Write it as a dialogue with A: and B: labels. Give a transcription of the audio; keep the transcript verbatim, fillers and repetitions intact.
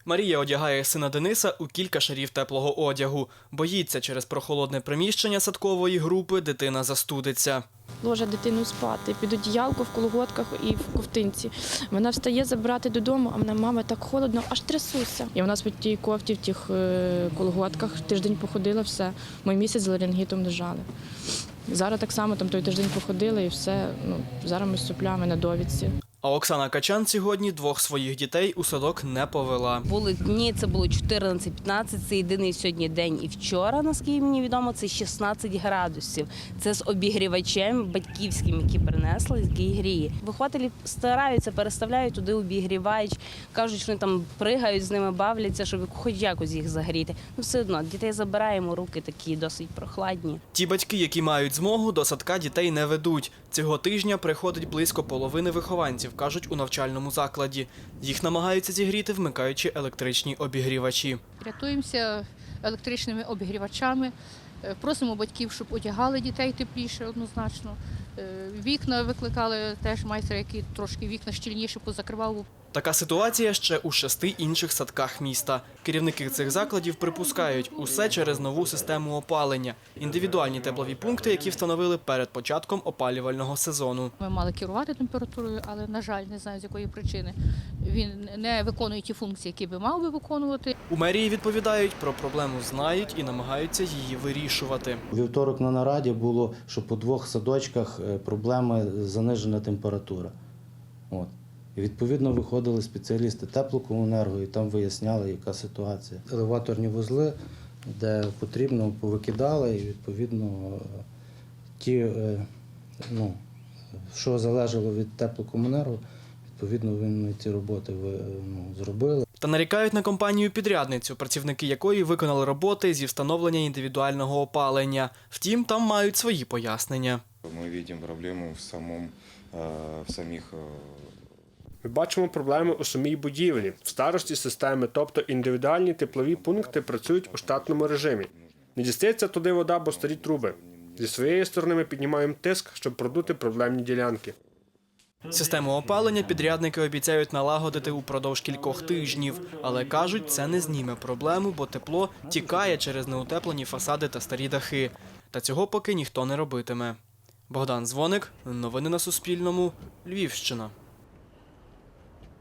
A: Марія одягає сина Дениса у кілька шарів теплого одягу. Боїться, через прохолодне приміщення садкової групи дитина застудиться.
B: Ложа дитину спати, під одіялко, в колготках і в ковтинці. Вона встає забирати додому, а мене мама так холодно, аж трясуся. І вона в тій кофті, в тих колготках тиждень походила, все. Ми місяць з ларингітом лежали. Зараз так само там той тиждень походили і все. Ну, зараз ми з соплями на довідці.
A: А Оксана Качан сьогодні двох своїх дітей у садок не повела.
C: Були дні, це було чотирнадцять-п'ятнадцять, це єдиний сьогодні день. І вчора, наскільки мені відомо, це шістнадцять градусів. Це з обігрівачем батьківським, які принесли, який гріє. Вихователі стараються, переставляють туди обігрівач, кажуть, що вони там пригають, з ними бавляться, щоб хоч якось їх загріти. Ну все одно, дітей забираємо, руки такі досить прохладні.
A: Ті батьки, які мають змогу, до садка дітей не ведуть. Цього тижня приходить близько половини вихованців, кажуть у навчальному закладі. Їх намагаються зігріти, вмикаючи електричні обігрівачі.
D: Рятуємося електричними обігрівачами, просимо батьків, щоб одягали дітей тепліше однозначно. Вікна викликали теж майстра, який трошки вікна щільніше позакривав.
A: Така ситуація ще у шести інших садках міста. Керівники цих закладів припускають, усе через нову систему опалення. Індивідуальні теплові пункти, які встановили перед початком опалювального сезону.
D: Ми мали керувати температурою, але, на жаль, не знаю, з якої причини. Він не виконує ті функції, які би мав би виконувати.
A: У мерії відповідають, про проблему знають і намагаються її вирішувати.
E: У вівторок на нараді було, що по двох садочках проблеми занижена температура. От. І відповідно виходили спеціалісти теплокомуненерго і там виясняли, яка ситуація. Елеваторні вузли, де потрібно, повикидали, і відповідно ті, ну, що залежало від теплокомуненерго, відповідно вони ці роботи ну, зробили.
A: Та нарікають на компанію-підрядницю, працівники якої виконали роботи зі встановлення індивідуального опалення. Втім, там мають свої пояснення.
F: Ми бачимо проблему в, самому, в самих...
G: Ми бачимо проблеми у самій будівлі, в старості системи, тобто індивідуальні теплові пункти працюють у штатному режимі. Не дістається туди вода, бо старі труби. Зі своєї сторони ми піднімаємо тиск, щоб продути проблемні ділянки.
A: Систему опалення підрядники обіцяють налагодити упродовж кількох тижнів. Але кажуть, це не зніме проблему, бо тепло тікає через неутеплені фасади та старі дахи. Та цього поки ніхто не робитиме. Богдан Дзвоник, новини на Суспільному, Львівщина.